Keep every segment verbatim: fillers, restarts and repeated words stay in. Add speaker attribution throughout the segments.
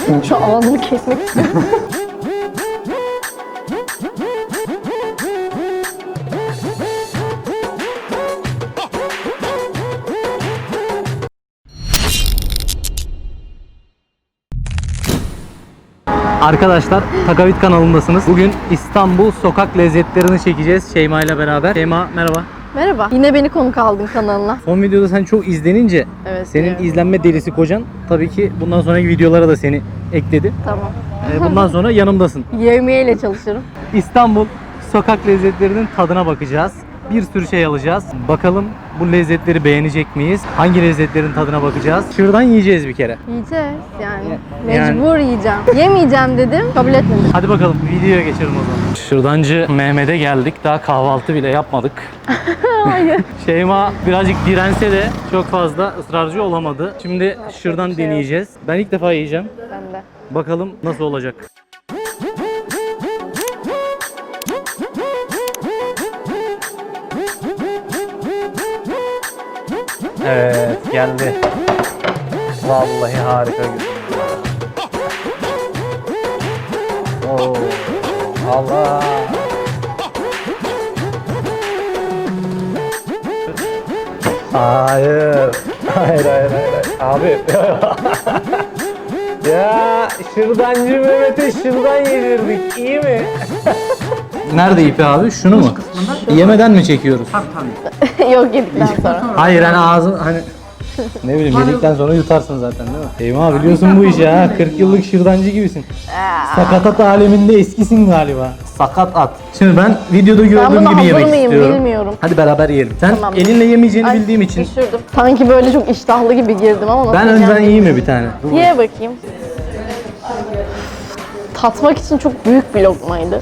Speaker 1: Şu ağzını kesmek istiyorum.
Speaker 2: Arkadaşlar Takavit kanalındasınız. Bugün İstanbul sokak lezzetlerini çekeceğiz Şeyma ile beraber. Şeyma merhaba.
Speaker 1: Merhaba. Yine beni konuk aldın kanalına.
Speaker 2: Son videoda sen çok izlenince
Speaker 1: Evet,
Speaker 2: senin
Speaker 1: biliyorum.
Speaker 2: izlenme delisi kocan tabii ki bundan sonraki videolara da seni ekledi.
Speaker 1: Tamam.
Speaker 2: Ee, bundan sonra yanımdasın.
Speaker 1: Yemeğiyle çalışırım.
Speaker 2: İstanbul sokak lezzetlerinin tadına bakacağız. Bir sürü şey alacağız. Bakalım bu lezzetleri beğenecek miyiz? Hangi lezzetlerin tadına bakacağız? Şuradan yiyeceğiz bir kere.
Speaker 1: Yiyeceğiz yani.
Speaker 2: Yani-
Speaker 1: Mecbur yiyeceğim. Yemeyeceğim dedim. Kabul etmedim.
Speaker 2: Hadi bakalım videoya geçelim o zaman. Şırdancı Mehmet'e geldik. Daha kahvaltı bile yapmadık.
Speaker 1: Hayır.
Speaker 2: Şeyma birazcık dirense de çok fazla ısrarcı olamadı. Şimdi şırdan
Speaker 1: bir şey yok.
Speaker 2: deneyeceğiz. Ben ilk defa yiyeceğim.
Speaker 1: Ben de.
Speaker 2: Bakalım nasıl olacak. Evet geldi. Vallahi harika gözüküyor. Oo, Allah. Hayır. Hayır hayır hayır. hayır. Abi. Ya şırdancı Mehmet'e şırdan yedirdik. İyi mi? Nerede ipi abi? Şunu mu? Yemeden mi çekiyoruz?
Speaker 1: Yok yedikten sonra.
Speaker 2: Hayır hani ağzın hani ne bileyim yedikten sonra yutarsın zaten değil mi? Eyvah biliyorsun bu işi ha. kırk yıllık şırdancı gibisin. Sakatat aleminde eskisin galiba. Sakat at. Şimdi ben videoda
Speaker 1: Ben
Speaker 2: gördüğüm
Speaker 1: buna
Speaker 2: gibi
Speaker 1: hazır
Speaker 2: yemek
Speaker 1: mıyım
Speaker 2: istiyorum.
Speaker 1: bilmiyorum.
Speaker 2: Hadi beraber yiyelim. Sen
Speaker 1: Tamam.
Speaker 2: elinle yemeyeceğini
Speaker 1: Ay,
Speaker 2: bildiğim için
Speaker 1: Düşürdüm. Sanki böyle çok iştahlı gibi girdim ama nasıl
Speaker 2: ben
Speaker 1: yiyeceğim
Speaker 2: önden yiyeyim mi
Speaker 1: bilmiyorum.
Speaker 2: bir tane? Dur
Speaker 1: Ye bakayım. Tatmak için çok büyük bir lokmaydı.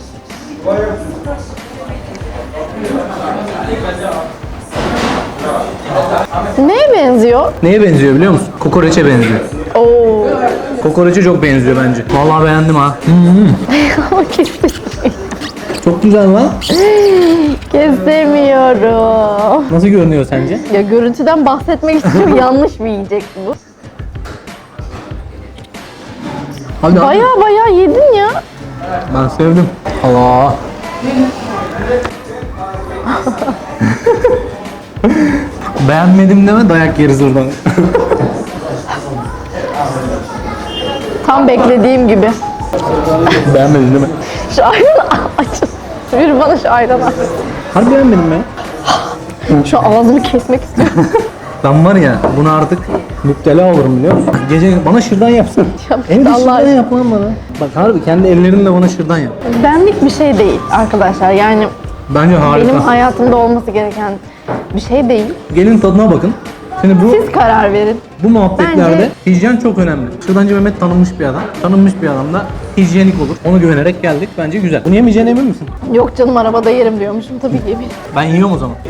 Speaker 1: Neye benziyor?
Speaker 2: Neye benziyor biliyor musun? Kokoreçe benziyor.
Speaker 1: Oo.
Speaker 2: Kokoreçe çok benziyor bence. Vallahi beğendim ha.
Speaker 1: Ama kesin.
Speaker 2: Çok güzel lan.
Speaker 1: Kesemiyorum.
Speaker 2: Nasıl görünüyor sence?
Speaker 1: Ya görüntüden bahsetmek istiyorum. Yanlış bir yiyecek bu.
Speaker 2: Hadi
Speaker 1: Baya baya yedin ya.
Speaker 2: Ben sevdim. Allah. Beğenmedim deme dayak yeriz oradan.
Speaker 1: Tam beklediğim gibi.
Speaker 2: Beğenmedin değil mi?
Speaker 1: Şu ayranı açın. Bir bana şu ayranı aç.
Speaker 2: Harbi beğenmedim mi?
Speaker 1: Şu ağzımı kesmek istiyorum.
Speaker 2: Ben var ya buna artık müptela olurum biliyor musun? Gece bana şırdan yapsın.
Speaker 1: Yap,
Speaker 2: Evde
Speaker 1: Allah
Speaker 2: şırdan
Speaker 1: aşkına.
Speaker 2: yap lan bana. Bak harbi kendi ellerinle bana şırdan yap.
Speaker 1: Benlik bir şey değil arkadaşlar. Yani
Speaker 2: Bence harika.
Speaker 1: benim hayatımda olması gereken bir şey değil.
Speaker 2: Gelin tadına bakın. Şimdi bu
Speaker 1: Siz karar verin.
Speaker 2: bu muhabbetlerde
Speaker 1: Bence-
Speaker 2: hijyen çok önemli. Şırdancı Mehmet tanınmış bir adam. Tanınmış bir adam da hijyenik olur. Ona güvenerek geldik. Bence güzel. Bunu yemeyeceğine emin misin?
Speaker 1: Yok canım arabada yerim diyormuşum. Tabii ki eminim.
Speaker 2: Ben yiyorum o zaman.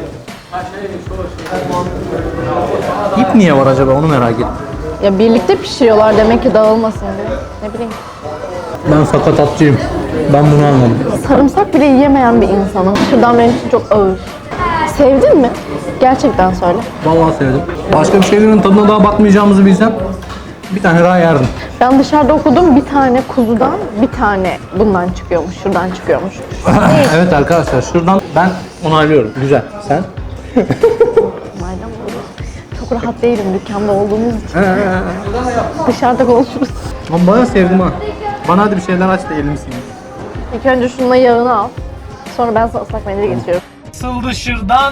Speaker 2: İp niye var acaba onu merak ettim.
Speaker 1: Ya birlikte pişiriyorlar demek ki dağılmasın diye. Ne bileyim.
Speaker 2: Ben sakatatçıyım. Ben bunu anladım.
Speaker 1: Sarımsak bile yiyemeyen bir insanım. Şuradan benim için çok ağır. Sevdin mi? Gerçekten söyle.
Speaker 2: Vallahi sevdim. Başka bir şeylerin tadına daha bakmayacağımızı bilsem bir tane daha yerdim.
Speaker 1: Ben dışarıda okudum, bir tane kuzudan bir tane bundan çıkıyormuş, şuradan çıkıyormuş.
Speaker 2: Evet arkadaşlar şuradan ben onaylıyorum. Güzel. Sen?
Speaker 1: Madem böyle çok rahat değilim dükkanda olduğumuz için. Dışarıda konuşuruz.
Speaker 2: Ben bayağı sevdim ha. Bana hadi bir şeyler aç da elimi sileyim.
Speaker 1: İlk önce şununla yağını al. Sonra ben sana ıslak mendil getiriyorum.
Speaker 2: Nasıldı şırdan?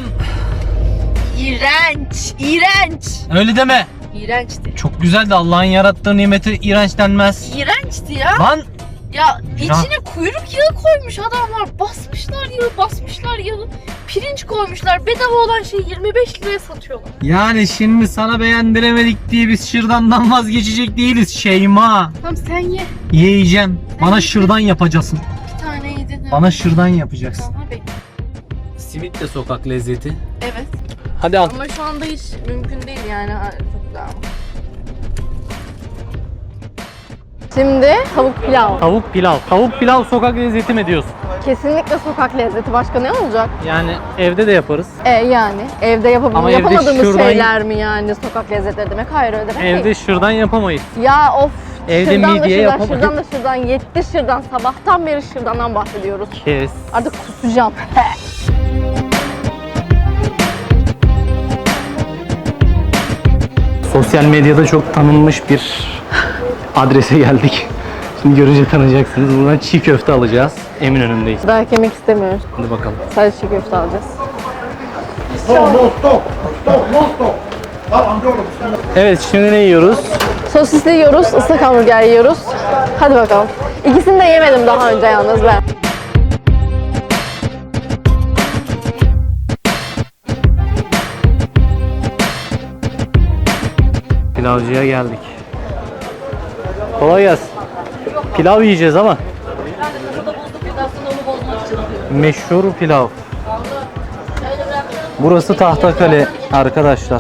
Speaker 1: İğrenç, iğrenç.
Speaker 2: Öyle deme.
Speaker 1: İğrençti.
Speaker 2: Çok güzeldi. Allah'ın yarattığı nimeti iğrenç denmez.
Speaker 3: İğrençti ya.
Speaker 2: Lan
Speaker 3: Ya içine kuyruk yağı koymuş adamlar. Basmışlar yağı, basmışlar yağı. Pirinç koymuşlar. Bedava olan şeyi yirmi beş liraya satıyorlar.
Speaker 2: yani şimdi sana beğendiremedik diye biz şırdandan vazgeçecek değiliz Şeyma.
Speaker 3: Tamam sen ye.
Speaker 2: Yiyeceğim. Bana şırdan yapacaksın.
Speaker 3: Bir tane yedin.
Speaker 2: Bana şırdan yapacaksın.
Speaker 3: Tamam bekle.
Speaker 2: Simit de sokak lezzeti.
Speaker 3: Evet.
Speaker 2: Hadi al.
Speaker 3: Ama şu anda hiç mümkün değil yani. Ha, çok güzel.
Speaker 1: Şimdi tavuk pilav.
Speaker 2: Tavuk pilav. Tavuk pilav sokak lezzeti mi diyorsun?
Speaker 1: Kesinlikle sokak lezzeti. Başka ne olacak?
Speaker 2: Yani evde de yaparız.
Speaker 1: E yani evde yapab-
Speaker 2: Ama evde
Speaker 1: yapamadığımız
Speaker 2: şuradan-
Speaker 1: şeyler mi yani sokak lezzetleri demek? Hayır öyle demek
Speaker 2: Evde
Speaker 1: değil.
Speaker 2: şırdan yapamayız.
Speaker 1: Ya of
Speaker 2: Evde
Speaker 1: Şırdan da
Speaker 2: midye
Speaker 1: şırdan,
Speaker 2: yapam-
Speaker 1: şırdan da şırdan, yetti şırdan. Sabahtan beri şırdandan bahsediyoruz.
Speaker 2: Kes.
Speaker 1: Artık kusacağım.
Speaker 2: Sosyal medyada çok tanınmış bir adrese geldik. Şimdi görünce tanıyacaksınız. Buradan çiğ köfte alacağız. Eminönü'ndeyiz.
Speaker 1: Daha yemek istemiyoruz.
Speaker 2: Hadi bakalım.
Speaker 1: Sadece çiğ köfte alacağız.
Speaker 2: Evet, şimdi ne yiyoruz?
Speaker 1: Sosisli yiyoruz, ıslak hamburger yiyoruz. Hadi bakalım. İkisini de yemedim daha önce yalnız ben.
Speaker 2: Pilavcıya geldik. Kolay gelsin. Pilav yiyeceğiz ama. Meşhur pilav. Burası Tahtakale arkadaşlar.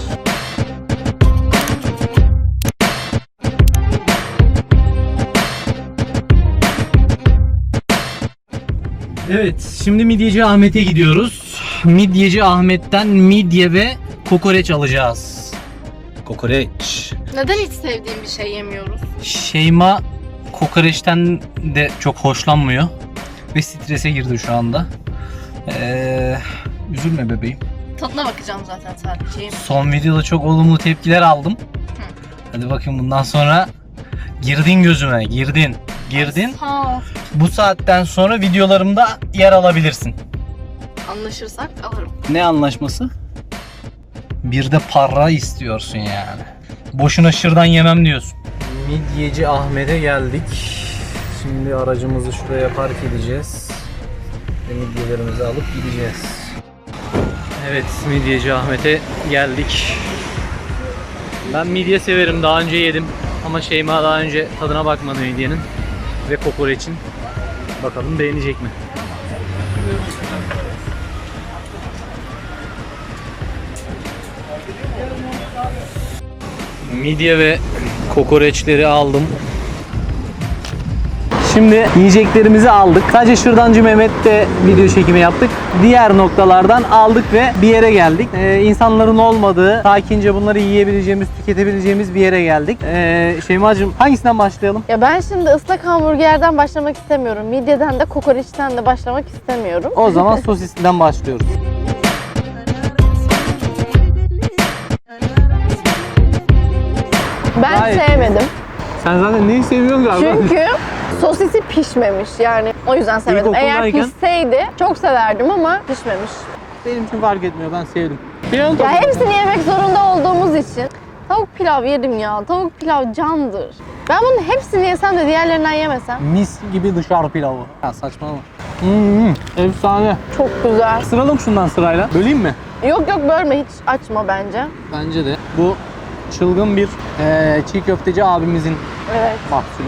Speaker 2: Evet, şimdi Midyeci Ahmet'e gidiyoruz. Midyeci Ahmet'ten midye ve kokoreç alacağız. Kokoreç.
Speaker 3: Neden hiç sevdiğim bir şey yemiyoruz?
Speaker 2: Şeyma kokoreçten de çok hoşlanmıyor ve strese girdi şu anda. Ee, üzülme bebeğim.
Speaker 3: Tadına bakacağım zaten sadece.
Speaker 2: Son videoda çok olumlu tepkiler aldım. Hadi bakayım bundan sonra girdin gözüme, girdin, girdin.
Speaker 3: Sağ ol.
Speaker 2: Bu saatten sonra videolarımda yer alabilirsin.
Speaker 3: Anlaşırsak alırım.
Speaker 2: Ne anlaşması? Bir de para istiyorsun yani. Boşuna şırdan yemem diyorsun. Midyeci Ahmet'e geldik. Şimdi aracımızı şuraya park edeceğiz. Ve midyelerimizi alıp gideceğiz. Evet, Midyeci Ahmet'e geldik. Ben midye severim, daha önce yedim. Ama Şeyma daha önce tadına bakmadı midyenin ve kokoreçin. Bakalım beğenecek mi? Midye ve kokoreçleri aldım. Şimdi yiyeceklerimizi aldık. Sadece Şırdancı Mehmet'te video çekimi yaptık. Diğer noktalardan aldık ve bir yere geldik. Ee, insanların olmadığı, sakince bunları yiyebileceğimiz, tüketebileceğimiz bir yere geldik. Ee, Şeyma'cığım hangisinden başlayalım?
Speaker 1: Ya ben şimdi ıslak hamburgerden başlamak istemiyorum. Midyeden de kokoreçten de başlamak istemiyorum.
Speaker 2: O zaman sosisinden başlıyoruz.
Speaker 1: Ben
Speaker 2: Gayet iyi.
Speaker 1: sevmedim.
Speaker 2: Sen zaten neyi seviyorsun galiba?
Speaker 1: Çünkü sosisi pişmemiş yani. O yüzden sevmedim. Eğer
Speaker 2: İlkokuldayken-
Speaker 1: pişseydi çok severdim ama pişmemiş.
Speaker 2: Benim için fark etmiyor, ben sevdim.
Speaker 1: Ya hepsini yemek zorunda olduğumuz için tavuk pilav yedim ya. Tavuk pilav candır. Ben bunun hepsini yesem de diğerlerinden yemesem.
Speaker 2: Mis gibi dışarı pilavı. Ya saçmalama. Hmm, efsane.
Speaker 1: Çok güzel.
Speaker 2: Sıralım şundan sırayla. Böleyim mi?
Speaker 1: Yok yok bölme, hiç açma bence.
Speaker 2: Bence de. Bu çılgın bir eee, çiğ köfteci abimizin
Speaker 1: Evet.
Speaker 2: mahsulü.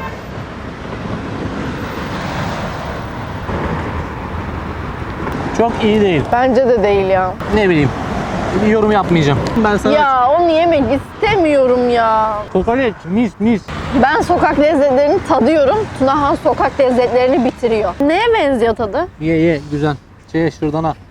Speaker 2: Çok iyi değil.
Speaker 1: Bence de değil ya.
Speaker 2: Ne bileyim. Bir yorum yapmayacağım. Ben sana
Speaker 1: Ya onu yemek istemiyorum ya.
Speaker 2: kokoreç mis mis.
Speaker 1: Ben sokak lezzetlerini tadıyorum. Tunahan sokak lezzetlerini bitiriyor. Neye benziyor tadı?
Speaker 2: Ye ye güzel. Şey şuradan al.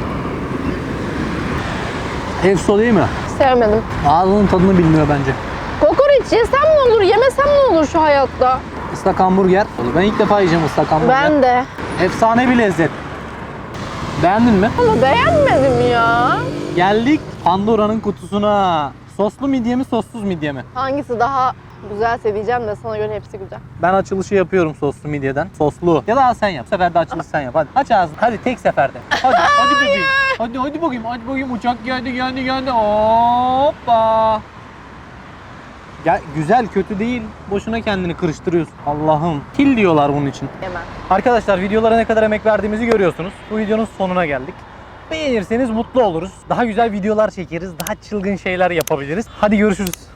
Speaker 2: Efso değil mi?
Speaker 1: Sevmedim.
Speaker 2: Ağzının tadını bilmiyor bence.
Speaker 1: Kokoreç yesem ne olur, yemesem ne olur şu hayatta?
Speaker 2: Islak hamburger. Ben ilk defa yiyeceğim ıslak hamburger.
Speaker 1: Ben de.
Speaker 2: Efsane bir lezzet. Beğendin mi?
Speaker 1: Ama beğenmedim ya.
Speaker 2: Geldik Pandora'nın kutusuna. Soslu midye mi, sossuz midye mi?
Speaker 1: Hangisi daha güzelse diyeceğim de sana göre hepsi güzel.
Speaker 2: Ben açılışı yapıyorum soslu midyeden. Soslu. Ya da sen yap. Bu sefer de açılış sen yap. Hadi aç ağzını. Hadi tek seferde. Hadi, hadi bakayım. Hadi, hadi bakayım. Hadi bakayım. Uçak geldi, geldi, geldi. Hoppa. Ya güzel, kötü değil. Boşuna kendini kırıştırıyorsun. Allah'ım. Kil diyorlar bunun için.
Speaker 1: Hemen.
Speaker 2: Arkadaşlar videolara ne kadar emek verdiğimizi görüyorsunuz. Bu videonun sonuna geldik. Beğenirseniz mutlu oluruz. Daha güzel videolar çekeriz. Daha çılgın şeyler yapabiliriz. Hadi görüşürüz.